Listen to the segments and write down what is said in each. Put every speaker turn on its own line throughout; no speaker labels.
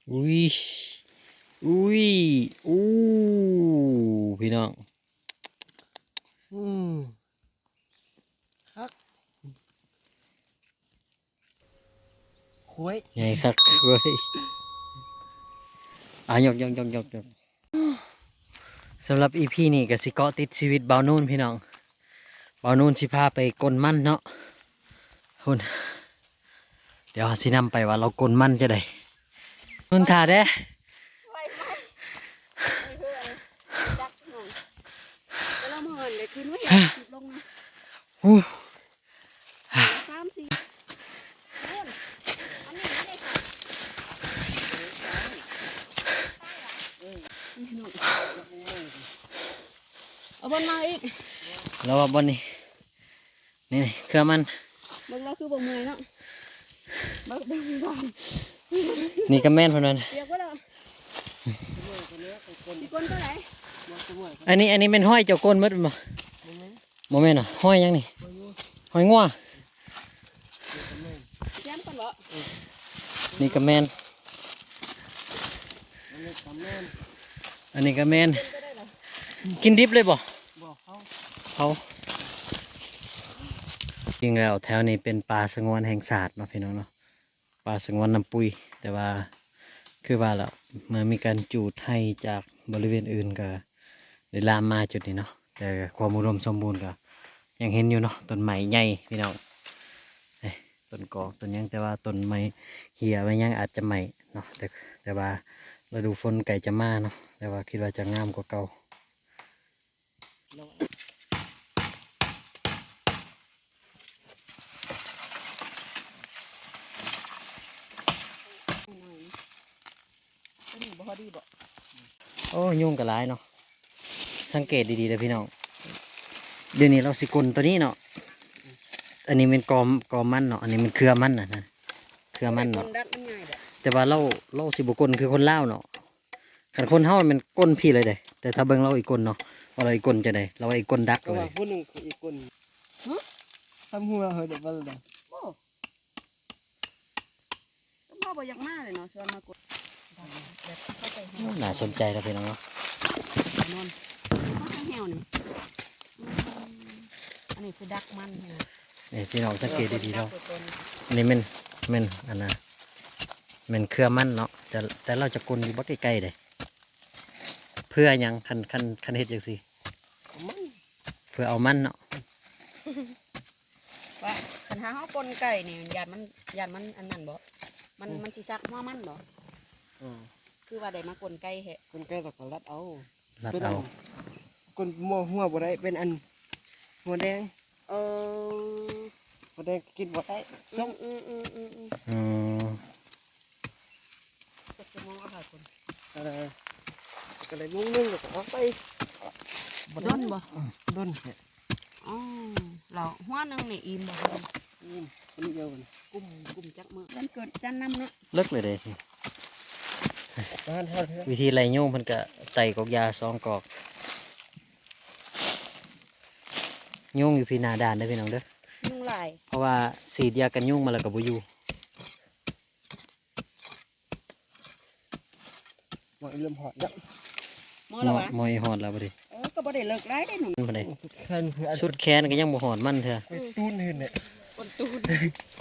อุ้ยอุ้ยอู้พี่น้อง
อืมคักคุย
ไงครับเว้ยยกสำหรับอีพีนี่ก็สิเกาะติดชีวิตเบานู่นพี่น้องเบานู่นสิพาไปกลมันเนาะคุณเดี๋ยวสินำไปว่าเรากลมันจะได้นุ่นถ่าเด้
ไว้ไหมไม่เพื่อนจักหน่อยแล้วเราเมินเลยคืนไว้ติดลงนะ
อู้
3-4คนอันนี้ไม่ได้ค่ะเอาบนมาอีก
เราว่าบนนี่นี่เครื่องมัน
เบิ่งเราคือบ่เมื่อยเนาะเบิ่งก่อน
นี่ก็แม่นพอนั้น
เรียกว่าเรามีคนเท่าไหร่
อันนี้เป็นห้อยเจ้ากลมัดบ่โมเมนต์อ่ะห้อยยังนี่ห้อยงัว
แย้มก่อนบ่
นี่ก็แม่นอันนี้ก็แม่นกินดิบเลยบ่
บอกเขา
เขาจริงแล้วแถวนี้เป็นป่าสงวนแห่งศาสตร์เนาะพี่น้องเนาะป่าสงวนน้ำปุยแต่ว่าคือว่าแล้วเมื่อมีการจูดให้จากบริเวณอื่นก็ได้ลามมาจุดนี้เนาะแต่ความอุดมสมบูรณ์ก็ยังเห็นอยู่เนาะต้นไม้ใหญ่พี่น้องต้นกอกต้นยังแต่ว่าต้นไม้เหี่ยไว้ยังอาจจะใหม่เนาะแต่ว่าฤดูฝนไก่จะมาเนาะแต่ว่าคิดว่าจะงามกว่าเก่า
ตัวนี้บ่พอดีบ่
โอ้ยุ่งกับหลายเนาะสังเกตดีๆเลยพี่น้องเดี๋ยวนี้เราสิกลตัวนี้เนาะอันนี้เป็นกอมันเนาะอันนี้มันเครือมันนะเครือมัน
ค
เนาะ
นดัดมันง่ายเด้อ
แต่ว่าเราสิบกลคือคนลาวเนาะขันคนเฮามันก้นพี่เลยเด้แต่ถ้าเบิ่งเราอีกคนเนาะว่าเราอีกคนจะได้เราอีกคนดัก
ก็
เล
ว่าย ผู้หนึ่งคืออีกคนทำหัวเหรอเดี๋ยววันละ
โอ้ต้องพ่อบ่อยากมาเลยเนาะชวนมากดแบบเข้าไปหา
น่าสนใจแล้วพี่น้องเนาะ
นอนมาทางแหวนี่อันนี้คือดักมันนี่นะ
นี่พี่น้องสังเกตดีๆเรา
ดักตัวตน
อันนี้มันอันน่ะมันเครือมันเนาะแต่เราจะกลอยู่บ่ใกล้ๆเลยเพื่อหยังคันเฮ็ดจังซี่
มัน
เพื่อเอามันเนาะ
ว่าคันหาเฮาปนไก่นี่ยานมันอันนั้นบ่มันสิซักหัวมันบ่
อ่า
คือว่าได้มาปนไก่แฮะ
คนใกล้เราก็รัดเอา
รัด
เป็น
เอา
คนมัวหัวบ่ได้เป็นอันหัวแดง
เออ
หัวแดงกินบ่ได้
อื
ส้ม
มอืมอืมอืมอืม
อืม
ก็จะมองเอาหาคน
อะไรก็เลยมุ่งนึ่งแล้วก็เอาไป
ด้นบ่
ด้นเนี่ย
อ๋อเราหัวหนึงนี่อิ่มบ่
นี่คนเดียวกัน
กลุ่มจักมือวันเกิดจันนำเนาะ
เลิกเลยเด้
บ้านเท่าเท่า
วิธีไรโยงเพิ่นก็ใส่กอกยา2กอกโยงอยู่พี่หนาด่านเด้อพี่น้องเด้อ
ยุงลาย
เพราะว่าสีดยากันยุงมาแล้วก็บ่อยู่
หมดเริ่มหอดแล้ว
มอแล้ววะ
มอยหอดแล้วบ่ดิ
ก็บ่ได้เลิกไล่ได้หนู
มันบ่ได้
แค่นี้คืออัน
สุดแขนก็ยังบ่หอดมันเถอะ
ไปตูนเห็นเนี่ย
คนตูน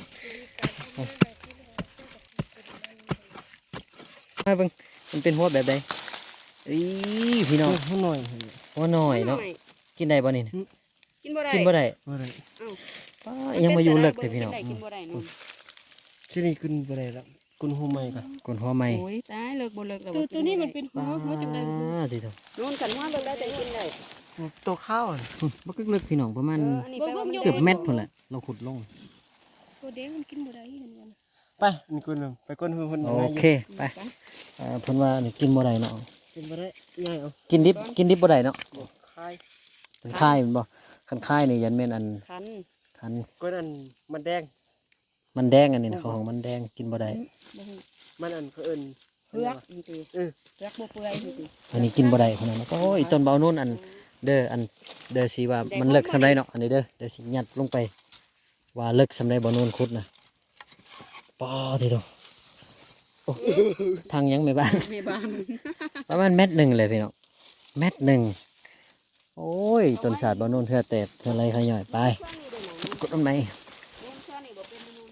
มาเบิ่งมันเป็นหัวแบบใดอีพี่น้อง
หัวหน่อยเห็น
หัวน้อยเนาะกินได้บ่นี่นะ
กินบ่ได้
กินบ่ได้
บ่ได้
ป้ายังมาอยู่เลิกแต่พี่น้อง
กินบ่ได้นู่น
ที่นี่ขึ้นบ่ได้แล้วคุณหัวใหม่กัน
กนหัวใหม่
โอ้ยตายเลิกบ่เลิกแล้ว
ตัวนี้มันเป็นหัวหัวจังได๋
สิโต
นู่นกันหัวเลิกได้แต่กินได้
ตัวข้าวอ่ะ
บ่กึกๆพี่น้องประมาณ
อันนี้แปลว่ามัน
เกือบเม็ดพุ่นแหละเราขุดลง
ตัวแดงมันกินบ่ได้เหมือนกัน
ไปนี่คนหนึ่งไปคนหัวคน
โอเคไปเพิ่นว่านี่กินบ่ได้เนาะ
กินบ่ได้ง่ายเอา
กินดิบบ่ได้เนาะ
คาย
คันค่ายแมันบ่คันค่ายนี่ยันแม่นอัน
คัน
คัน
ก็อันมันแดง
มันแดงอันนี้นะของมันแดงกินบ่ได้
บ่ฮู้
มันอันเขาเอิ้น
เพือกนี่ติ
เออ
เพือกบ่เปื่อยนี่ติ
อันนี้กินบ่ได้คนนั้นก็โอ้ยต้นเบานู่นอันเด้ออันเด้อสิว่ามันเลิกสำไรเนาะอันนี้เด้อเดี๋ยวสิยัดลงไปว่าเลิกสำไรบ่นู่นขุดนะป้อทีเดียวโอ้ทางยังไม่บ้าน
ในบ้าน
ประมาณ1 เมตรเลยพี่น้อง1 เมตรโอ้ยต้นศาสตร์บ่นู่นเทื่อเตะเทื่อไรขย่อยไปกดต้นไม้
นู่นเชื่อนี่บ่เป็นนู่น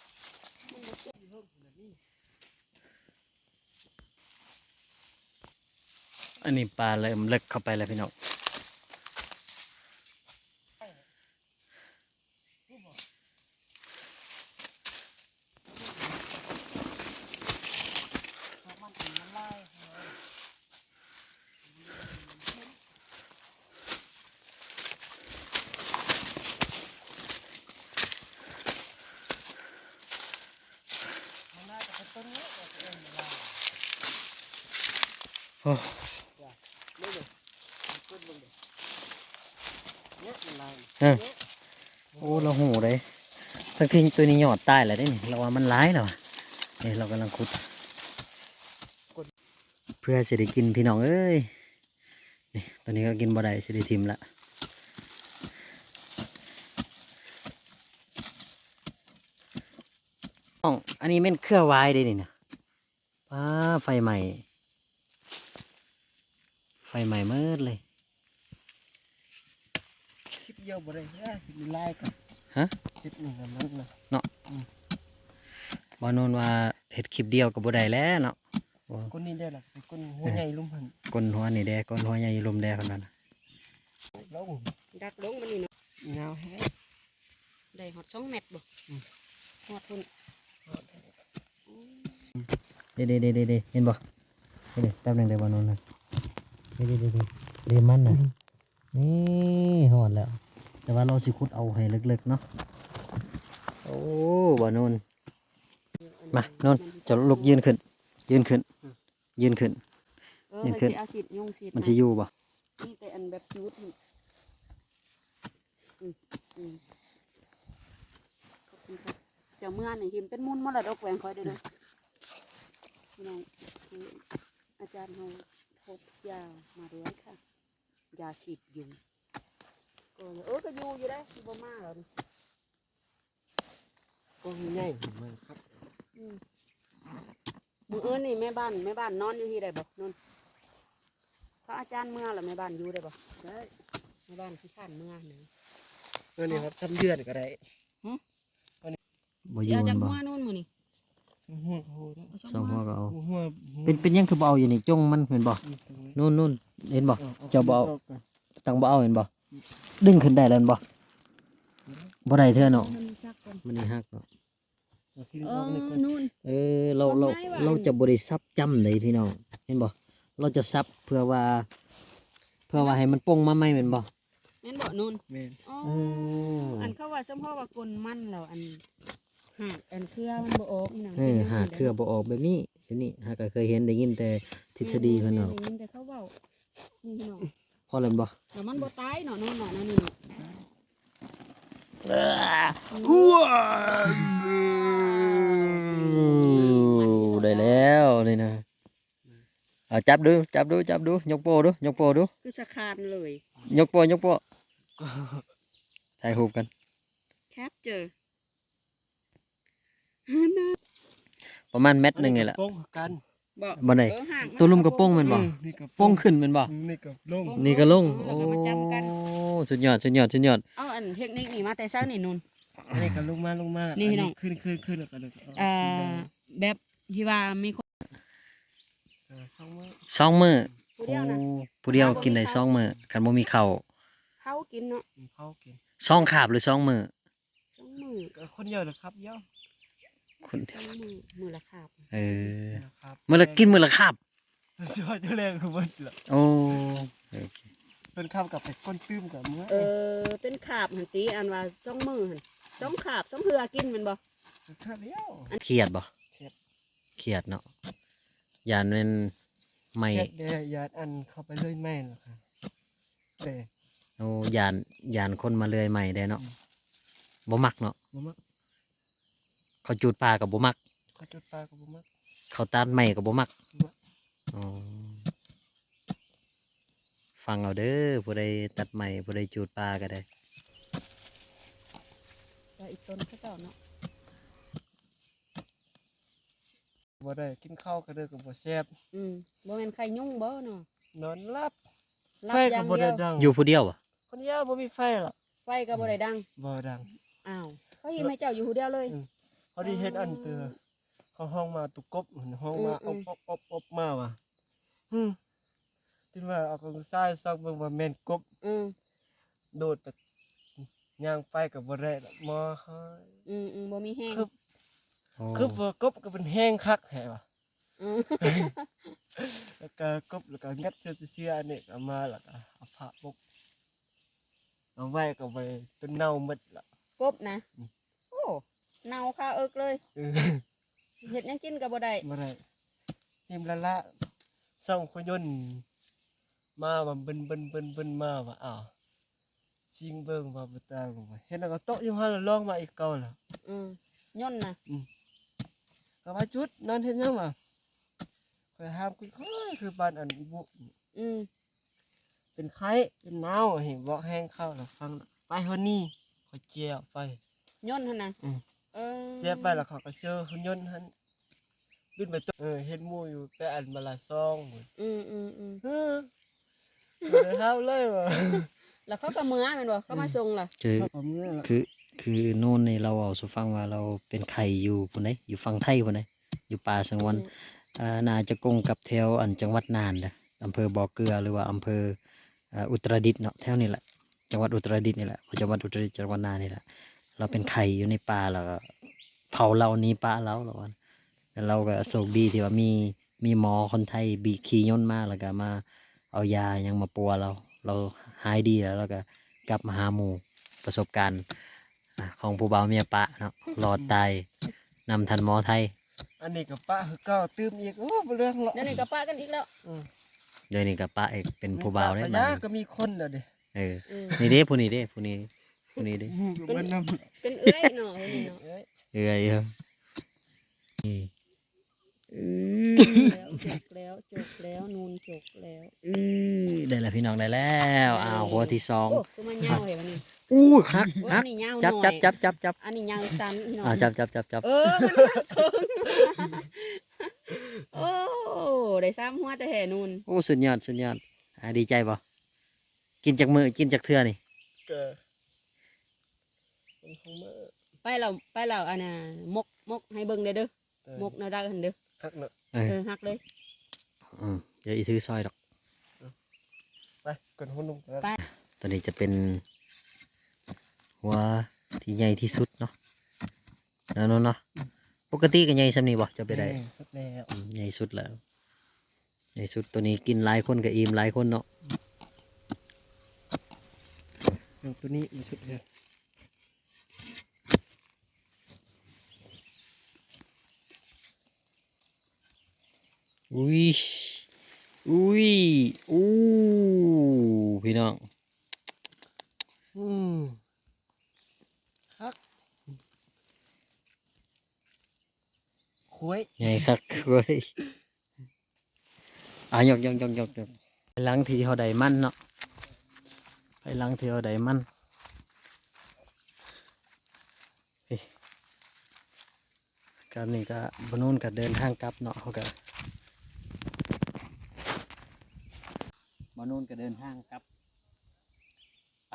อันนี้ปลาเริ่มเลิกเข้าไปแล้วพี่น้องโอ้
เนี่ยมันลาย
โอ้เราหูเลยทั้งที่ตัวนี้หยอดตายแล้วได้นี่เราว่ามันร้ายแล้วอะนี่เรากำลังขุดเพื่อจะได้กินพี่น้องเอ้ยนี่ตอนนี้ก็กินบ่ได้จะได้ทิมละอันนี้เป็นเครือวายเด้นี่นะป้าไฟใหม่เมิดเลย
คลิปเดียวบ่ได้มันลายกัน
ฮะ
คลิปนี้มันนะ
บอนนว่าเห็ดคลิปเดียวกับบ่ได้แล้วเนาะ
คนนี้ได้หรอเป็นคนหัวใหญ่ลุ่มหัน
ก้นหัวนี่แดก้นหัวใหญ่ลมแดคนนั้นน่ะ
แล้ว
ดักลงมันนี่เนาะ
เงาแห้ง
ได้ฮอด2 เมตรบ่ฮอดพุ่น
เด้เห็นบ่เห็นแป๊บหนึงได้บอนนนะเด้มันน่ะนี่หอดแล้ว แต่ว่าเราสิขุดเอาให้ลึกๆเนาะโอ้บอนนมานนจะลุกยืนขึ้น
เออ
ยืน
มัน
ขึ้น
สิอาซิดยุงซิด
มันสิอยู่บ่
นี่แต่อันแบบจุดนี่อืมขอบคุณครับเจ้าเมื่อนี่หิมเป็นมูลมรดกแหวงคอยเด้อเด้อพี่น้องคืออาจารย์เฮาพบยามาด้วยค่ะยาฉีดยุงก็เลยก็อยู่ได้ที่บ่มาแล้วนี่
ก็ใหญ่มากครับ
อืมมื้ออื่นนี่แม่บ้านนอนอยู่ที่ใดบ่นอนพระอาจารย์เมื่อแล้วแม่บ้านอยู่ได้บ่ได้แม่บ้านขี้ข้านเมื่อหนึ่ง
นี่ครับซ้ำเดือนก็ได้
บ่อ
สิ
ยู่
เอา
มั
จาก
นบ่
หัวนู่นมื้อนี่
หัวโหด
เอา
สองหัวก็เอา
หัว
เป็นยังคือบ่เอาอยู่นี่จงมันเห็นบ่นู่นเห็นบ่ เจ้าบ่เอา ตังบ่เอาเห็นบ่ดึงขึ้นได้แล้วเห็นบ่บ่ได้เท่าเนาะ
มันซักก่อน
มันนี่ฮักเนาะ
เออนู่น
เราจะบริซับจำเลยพี่น้องเห็นบ่เราจะซับเพื่อว่าให้มันป่งมาใหม่แม่นบ่
แม่นบ่นู่น
แม่น
อ๋อ
อ
อันเขาว่าสมพ่อว่ากลมันแล้วอันหากอันเครือมันบ่ออกนี่นะ
หาเครือบ่ออกแบบนี้หาก็เคยเห็นได้ยินแต่ทฤษฎีเพิ่นเนาะ
ได้ยิแต่เขาเว้านี่พี่น้อง
พอแล้วบ่
แต่มันบ่ตายเนาะนู่นเนาะนั่นนี่เนาะ
ได้แล้วนี่นะเอาจับดูยกโป้ดู
คือสะคานเลย
ยกโป้ถ่ายรูปกัน
แคปเจอ
ประมาณ1 เมตรนี่แหละ
โป้งกัน
บ่
บ่ได้
หาก
ตัวลุมกระโป้งแม่นบ่
นี่ก็
โป้งขึ้นแม่นบ่
นี่ก็ลง
นี่ก็ลง
แล้วก็มาจำกัน
โอ้สุดยอด
เอาอันเทคนิคนี่มาแต่เช้านี่นู่น
นี่ก็ลงมา
นี่พี่น้อง
ขึ้นแล้วก็เลย
แบบที่ว่ามีคน
สองมื้อ
ผู้เดียวนะ
โอ้ผู้เดียวกินได้2 มื้อคันบ่มีข้าว
เขากินเนาะ
เข้ากิน
2 คาบหรือ2 มื้อ
2 มื้อ
ก็คนเดียวเลยครับเดียว
คน
2 มื้อละคาบ
เออ
ครับ
มื้อละกินมื้อละคาบ
ช่วยตัวแรงคือเบิดละ
โอ้โอเค
เป็นข้าวกับเป็ดก้นตื้มกับเมื่อ
เป็นขาบหันตีอันว่า2 มื้อหั่น2 ขาบ2เหือกินแม่นบ่
ข้าวเดียว
เครียดบ่
เครียด
เครียดเนาะยานเป็นไม่
แค่เดียวยาดอันเข้าไปเลยแม่นหรอกค่ะแต่
โอ้ยานคนมาเลื่อยใหม่ได้เนาะบ่มักเนาะ
บ่มัก
เขาจูดปลากับบ่มัก
เขาจุดปลากับบ่มัก
เขาตัดใหม่กับบ่มัก
บ่มัก
อ๋อฟังเอาเด้อผู้ใดตัดใหม่ผู้ใดจูดปลาก็ได้
แต่อีกต้นเขาเจ้าเนาะ
บ่ได้กินข้าวก็เด้อก็บ่แซ่บ
บ่แม่นไข่ยุ่งบ่เนาะ
นอนหลับ
รับ
ไฟ
อ
ก็
ย่าง
บ่
เดี
ได้
ยว
ดัง
อยู่ผู้เดียวบ่
คนเดียวบ่มีไฟหรอก
ไฟก็บ่ได้ดัง
บ่ดัง
อ้าวเขาเฮ็ดให้เจ้าอยู่ผู้เดียวเลย
เขาได้เฮ็ดอันเตือเขาห้องมาตุกกบห้องมาอบมาว่ะที่ว่าเอากองทรายซักเบิ่งว่าแม่นกบ
อืม
โดดไปย่างไปก็บ่ได้ดอกมอเฮ้ย
บ่มีแห้ง
คือ
โอ้
คือว่ากบก็เป็นแห้งคักแฮะว่ะ
อืม
แล้วก็กบแล้วก็งัดเสื้ออันนี้ก็มาแล้วก็เอาผ้าปกเอาไว้ก็ไว้จนเน่าหมดละ
กบนะโอ้เน่าคาเอิกเลย
เออ
เฮ็ดหยังกินก็บ่ได้
บ่ได้ทีมละส่องขยนต์มาว่าเบิ่นมาว่าอ้าวชิงเบิ่งว่าบ่ตางว่าเห็นแล้วก็โต๊ะอยู่หั่นแล้วลองมาอีกเก่าล่ะ
ย่นนะ
ก็ว่าจุดนอนเฮ็ดหยังวะข่อยห้ามคุยค่อยคือบ้านอันอีบุ
อืม
เป็นไข้เป็นหนาวเห็นบ่แห้งเข้าแล้วฟังไปฮอนนี่ข่อยเจียไป
ย่นหั่นน่ะ
อืม
เออ
เจียไปแล้วเขาก็เจอหุ่นยนต์หั่นบินไปตัวเห็นหมู่อยู่ไปอันมาละซองหมด
อืม
เออบ่ได้เฮาเลยว่ะ
แล้วเขาก็เมื่อแม่นบ่เขามาส่งล่ะ
คือ
เขาก็เมื่อละ
คือโน่นนี่เราเอาสู่ฟังว่าเราเป็นไข่อยู่พุ่นใดอยู่ฝั่งไทยพุ่นใดอยู่ป่าสงวนน่าจะกงกับแถวอันจังหวัดน่านเด้ออำเภอบ่อเกลือหรือว่าอำเภออุตรดิตถ์เนาะแถวนี้แหละจังหวัดอุตรดิตถ์นี่แหละจังหวัดอุตรดิตถ์จังหวัดน่านนี่แหละเราเป็นไข่อยู่ในป่าแล้วก็เผาเราหนี้ป่าเราแล้วว่าแล้วเราก็โชคดีที่ว่ามีหมอคนไทยบีขี่ยนต์มาแล้วก็มาเอายายังมาปัวเราหายดีแล้วก็กลับมาหาหมู่ประสบการณ์ของผู้บ่าวเมียปะเนาะรอดตายนำทันหมอไทย
อันนี้ก็ป้าคือเก่าตื้มอีกโอ้บ่เรื่องหรอก
เดี๋ยวนี้ก็ปะกันอีกแล้ว
เดี๋ยวนี้กับป้าเอกเป็นผู้บ่าวได้
ปะ
บ้
ยะก็มีคนแล้วเด้
เออ
อืม
นี่เด้ผู้นี้เด้ผู้นี้เด้
เบิ่นนำ
เป็นเอื้อยเนาะเอ้ยเนาะ
เอ้ย
เอ้ยนี่
จกแล้วนูนจกแล้ว
ได้แล้วพี่น้องได้แล้วอ้าวหัวที่สอง
โอ้คือมันยาวเหรอวะนี่
อู้คัก
โอ้
คั
อั
ก
นนี้ยาว
จับ
หน่อย
จับ
อันนี้ยาวสั้นหน่อย
จับ
เออมันหักเคิงโอ้ได้ซ้ำหัวแต่แห่นูน
โอ้สุดยอดดีใจป่ะกินจากมือกินจากเทือนี่
ก็มันคงมื้อ
ไปเราอันน่ะมกให้เบิ่งเด้อเด้อมกแนวดักหันเด้อ
ฮักเนาะ
หักเลย
เดี๋ยวอีถือซอยดอก
ไปกดหุ่นลงกัน
ไป
ตอนนี้จะเป็นหัวที่ใหญ่ที่สุดเนาะแล้วเนาะปกติก็ใหญ่สำนี้บ่จะไปได้
สุดแล้ว
ใหญ่สุดแล้วใหญ่สุดตัวนี้กินหลายคนก็อิ่มหลายคนเนาะ
อย่างตัวนี้มันสุดแล้ว
อุ้ยอู้พี่น้อง
ฮักคุย
ใหญ่คักเว้ยยกไปหลังที่เขาได้มันเนาะไปหลังที่เขาได้มันเฮ้ยการนี้ก็บนู้นก็เดินทางกลับเนาะเขาก็บนู้นก็เดินทางกลับไป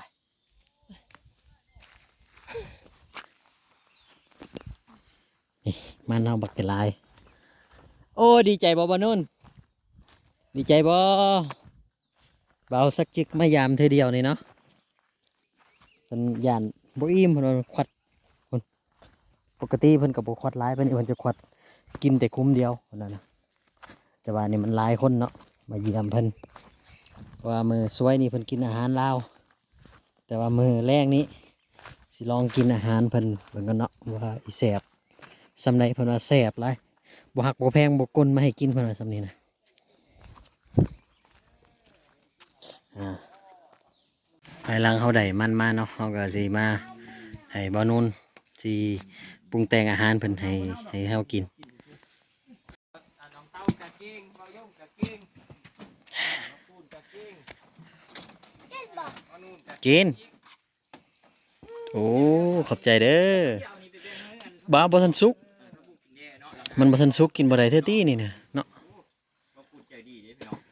นี่มันเอาบักเกลาย โอ้ดีใจบ่บนู้นดีใจบ่เบาสักจิกมายามเธอเดียวนี่เนาะเป็นยานบ่อิ่มเพิ่นว่าควัดเพิ่นปกติเพิ่นก็บ่ควัดหลายเพิ่นจะควัดกินแต่คุ้มเดียวเพิ่นน่ะนะแต่ว่านี่มันหลายคนเนาะมาเยี่ยมเพิ่นว่ามือสวยนี่เพิ่นกินอาหารลาวแต่ว่ามือแรกนี้สิลองกินอาหารเพิ่นเบิ่งกันเนาะว่าอีแซ่บสำใดเพิ่นว่าแซ่บหลายบ่หักบ่แพงบ่กลมาให้กินเพิ่นว่าสำนี้นะภายหลังเขาได้มันมาเนาะเขาก็สิมาให้บ่าวนุ่นสิปรุงแต่งอาหารเพิ่นให้เฮากิน
น้องเต้ากะเก่งเบาย่อมกะเก่งพูดกะเก่ง
กินโอ้ขอบใจเด้อบ่าวบ่ทันสุกมันบ่ทันสุกกินบ่ได้เท่าตี้นี่เนี่ยเนาะ
ก็พูดใจดีเด้พี่น้อง